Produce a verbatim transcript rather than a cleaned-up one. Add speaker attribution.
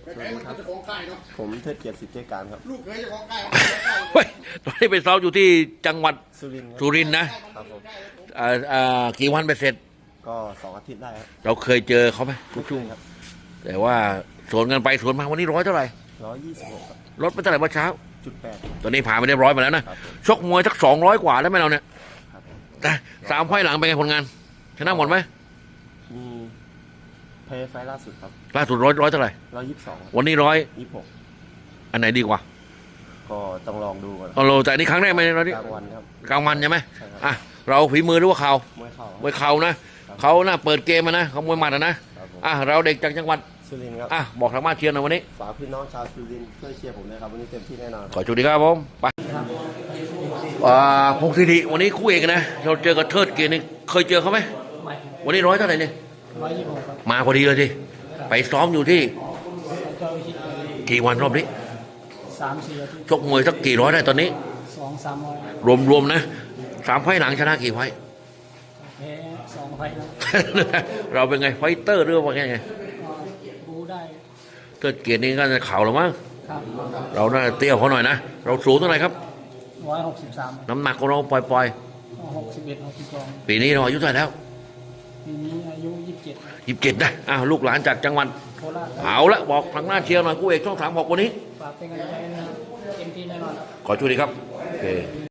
Speaker 1: สวัสดีครับผมเทิดเกียรติสิทธิ์เจการครับ
Speaker 2: ลูกเคยจะของใกล้
Speaker 3: เฮ้ยตอนนี้ไปซ้อมอยู่ที่จังหวัด
Speaker 1: สุรินทร์ครับ
Speaker 3: สุรินทร์นะครับ
Speaker 1: ผม
Speaker 3: อ่าอ่ากี่วันไปเสร็จ
Speaker 1: ก็สองอาทิตย์ได้ครับ
Speaker 3: เราเคยเจอเขาไหมทุกช่วง
Speaker 1: ครับ
Speaker 3: แต่ว่าสวนกันไปสวนมาวันนี้ร้อยเท่าไหร่
Speaker 1: ร้อยยี่สิบหกครับ
Speaker 3: ลดไปเท่าไหร่เมื่อเช้า
Speaker 1: จุดแปด
Speaker 3: ตอนนี้ผ่านไปได้ร้อยมาแล้วนะครับ
Speaker 1: ผม
Speaker 3: ชกมวยสักสองร้อยกว่าแล้วไหมเราเนี่ย
Speaker 1: ครับผม
Speaker 3: แต่สามไฟล์หลังเป็นไงผลงานชนะหมดไหม
Speaker 1: มีเพย์ไฟล์ล่าสุดครับ
Speaker 3: ล่าสุดร้อยร้อยเท่าไหร่
Speaker 1: ร้อยยี่สิบสอง
Speaker 3: วันนี้ร้อย
Speaker 1: ยี่สิบหก
Speaker 3: อันไหนดีกว่า
Speaker 1: ก็ต้องลองดูก่อน
Speaker 3: เอาเราแต่อันนี้ครั้งแรกไหมเรา
Speaker 1: ก
Speaker 3: นี่
Speaker 1: ลางวันครับ
Speaker 3: กลางวันใช่ไหม
Speaker 1: ใช่ครับ
Speaker 3: อ่ะเราฝีมือหรือว่าเข่าม
Speaker 1: วยเข่าครับ
Speaker 3: มวยเข่านะเขาน่าเปิดเกมมานะเขามวยหมัดอะนะครับ
Speaker 1: ผม
Speaker 3: อ่ะเราเด็กจากจังหวัด
Speaker 1: สุรินทร์ครับ
Speaker 3: อ่ะบอกทางบ้านเชียร์หน่อยวันนี้
Speaker 1: ฝากพี่น้องชาวสุรินทร์ช่วยเชียร์ผมด้วยครับวันนี้เต็มที่แน่นอน
Speaker 3: ขอจุดีครับผมไปอ่าพงศิริวันนี้คู่เอกนะเราเจอกับเทิดเกียรตินี่เคยเจอเขาไหม
Speaker 4: ไม่
Speaker 3: วันนี้ร้อยเท่าไหร่เนี่ย
Speaker 4: ร้อยยี่สิบหกครับ
Speaker 3: มาพอดีเลยทีไปซ้อมอยู่ที่
Speaker 4: เจ้าวิชิต
Speaker 3: กี่วันรอบนี้
Speaker 4: สามสี่อาทิตย์
Speaker 3: ชกมวยสักกี่ร้อยได้ตอนนี้
Speaker 4: สองสามร้อย
Speaker 3: รวมๆนะสามไฟล์หลังชนะกี่ไฟล์
Speaker 4: แพ้สองไฟล์แล้ว
Speaker 3: เราเป็นไงไฟเตอร์หรือว่าไงไง
Speaker 4: ก็บูได้
Speaker 3: เทิดเกียรตินี่ก็จะเข่าแล้วมั้ง
Speaker 4: ครับ
Speaker 3: เราน่าจะเตี้ยเขาหน่อยนะเราสูงเท่าไหร่ครับ
Speaker 4: ร้อยหกสิบสาม
Speaker 3: น้ำหนักของเราปล่อย
Speaker 4: หกสิบเอ็ดหกสิบสอง
Speaker 3: ๆปีนี้เราอายุเท่าไหร่แล้ว
Speaker 4: ปีนี้อายุยี่สิบเจ็ด
Speaker 3: ยี่สิบเจ็ดนะอ้าวลูกหลานจากจังหวัด
Speaker 4: โคราช
Speaker 3: เอาละบอกทางหน้าเชียร์หน่อยคู่เอกช่องสามหกวันนี้
Speaker 4: ฝากเป็นกำลังใจนะครับเต็มที่แน่นอนครับ
Speaker 3: ขอช่วยดีครับโอเค